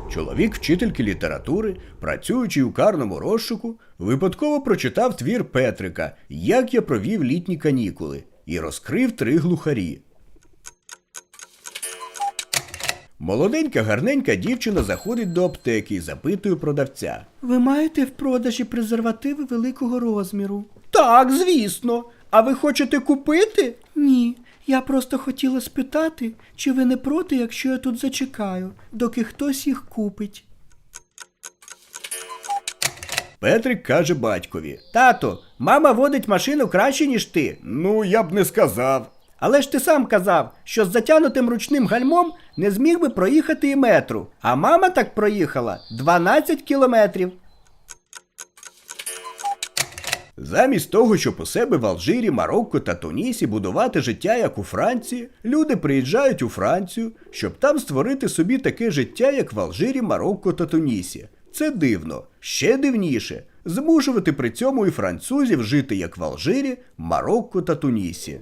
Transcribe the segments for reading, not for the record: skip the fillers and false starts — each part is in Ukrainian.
Чоловік вчительки літератури, працюючи у карному розшуку, випадково прочитав твір Петрика «Як я провів літні канікули» і розкрив 3 глухарі. Молоденька гарненька дівчина заходить до аптеки і запитує продавця. Ви маєте в продажі презервативи великого розміру? Так, звісно. А ви хочете купити? Ні, я просто хотіла спитати, чи ви не проти, якщо я тут зачекаю, доки хтось їх купить. Петрик каже батькові. Тато, мама водить машину краще, ніж ти. Ну, я б не сказав. Але ж ти сам казав, що з затягнутим ручним гальмом не зміг би проїхати і метру. А мама так проїхала 12 кілометрів. Замість того, щоб у себе в Алжирі, Марокко та Тунісі будувати життя, як у Франції, люди приїжджають у Францію, щоб там створити собі таке життя, як в Алжирі, Марокко та Тунісі. Це дивно. Ще дивніше – змушувати при цьому і французів жити, як в Алжирі, Марокко та Тунісі.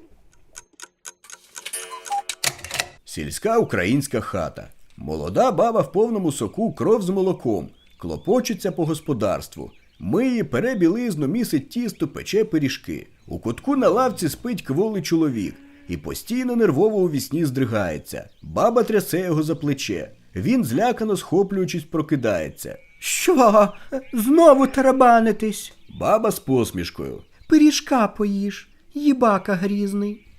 Сільська українська хата. Молода баба в повному соку, кров з молоком. Клопочеться по господарству. Миє, пере білизну, місить тісто, пече пиріжки. У кутку на лавці спить кволий чоловік. І постійно нервово у вісні здригається. Баба трясе його за плече. Він, злякано схоплюючись, прокидається. Що? Знову тарабанитись? Баба з посмішкою. Пиріжка поїж, їбака грізний.